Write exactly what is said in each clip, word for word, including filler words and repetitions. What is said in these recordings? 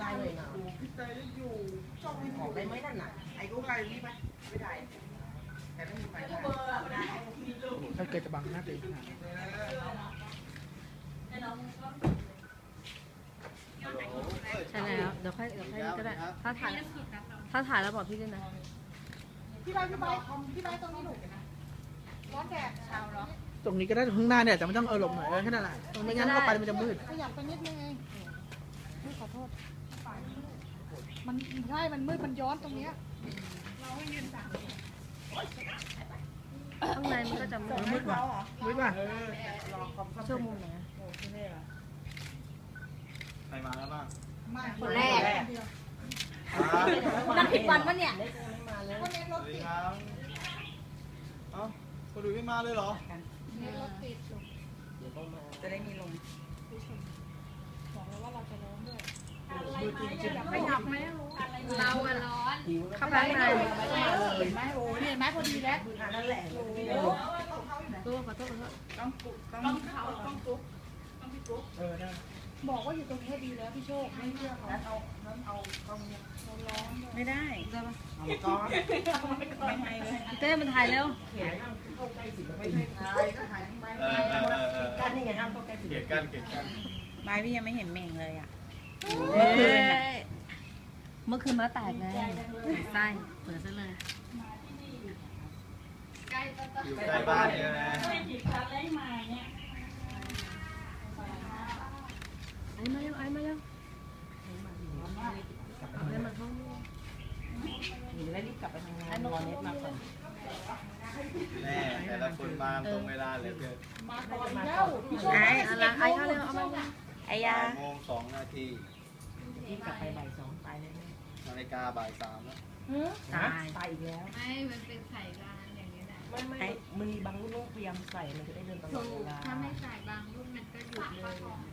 ได้เลยนะพี่เตยอยู่จ้องออกได้ไหมนั่นน่ะไอ้รูปอะไรนี่ไหมไม่ได้แต่ไม่มีไฟได้ถ้าเกิดจะบังหน้าตัวเองขนาดนี้ใช่แล้วเดี๋ยวค่อยเดี๋ยวค่อยก็ได้ถ้าถ่ายถ้าถ่ายแล้วบอกพี่ด้วยนะพี่ใบพี่ใบพี่ใบตรงนี้หนูร้อนแดดเช้าเหรอตรงนี้ก็ได้ข้างหน้าเนี่ยแต่มันต้องเอาหลบหน่อยเออแค่นั้นแหละตรงไม่งั้นเข้าไปมันจะมืดขยับไปนิดนึงเองไม่ขอโทษมันใช่มันมืดมันย้อนตรงเนี้ยข้างในมันก็จะมืดมืดว่ะมืดว่ะช่วงมุมไหนใครมาแล้วบ้างคนแรกครับนั่งผิดวันปะเนี่ยคนเล่นรสถวัสติดีดครับ เอ้าคนดูไม่มาเลยเหรอเล่นรถติดจะได้มีลมบอกเลยว่าเราจะร้อนด้วยไม่หนับไหมเราอะร้อนหิวเข้าไปข้างในเห็นไหมโอ้เห็นไหมพอดีแล้วนั่นแหละตัวขอโทษขอโทษต้องเขาต้องกุ๊กต้องพี่กุ๊กเออได้บอกว่าอยู่ตรงนี้ดีแล้วพี่โชคไม่เชื่อเขานั้นเอานั้นเอาเข้าเนี่ยเราร้อนด้วยไม่ได้เอามาก้อนไม่ให้เลยเต้มันถ่ายเร็วเขียนเข้าใกล้สิไม่ให้ถ่ายก็ถ่ายทำไมเออเออเออเออกันนี่ไงห้ามเข้าใกล้สิเกลียดกันเกลียดกันไม้พี่ยังไม่เห็นเม่งเลยอ่ะเมื่อคืนน่ะเมื่อคืนมาแตกเลยไส้เปิดซะเลยอยู่ใกล้บ้านเนี่ยนะไอ้มาเร็วไอ้มาเร็วเอาให้มันเข้าหนูได้รีบกลับไปทำงานรอเน็ตมาก่อนแน่แต่ละคนมาตรงเวลาเหลยเกินมาก่อนแล้วพี่โชคไอ้อะไรไอ้เข้าเร็วเอามาไอ้ยาบ่ายโมงสองนาทีรีบกลับไปบ่ายสองตายแน่นาฬิกาบ่ายสามแล้วๆตายตายอีกแล้วไม่ มันเป็นไข่กลางอย่างนี้แหละไม่ไม่มันมีบางลูกพยายามใส่มันจะได้เดินตลอดเวลาถ้าไม่ใส่บางรุ่นมันก็หยุดเลย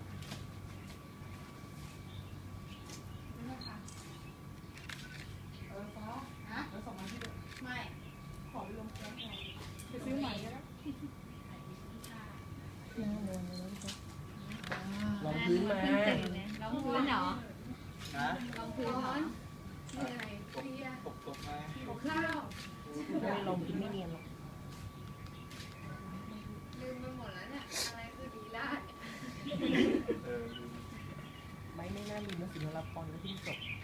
เออฟ้าฮะแล้วส่งมาที่เดิมไม่ขอไปลงแก๊สหน่อยไปซื้อใหม่ก็ได้ลองพื้นมาเพิ่งตื่นเนี่ยลองพื้นเหรอนะลองพื้นเหนื่อยเพลียตกตกไหมขอข้าวไม่ลองพื้นไม่เนียนหรอกลืมไปหมดแล้วเนี่ย อะไรคือดีลาดเออไม่ไม่น่าลืมนะสินวรพรและที่จบ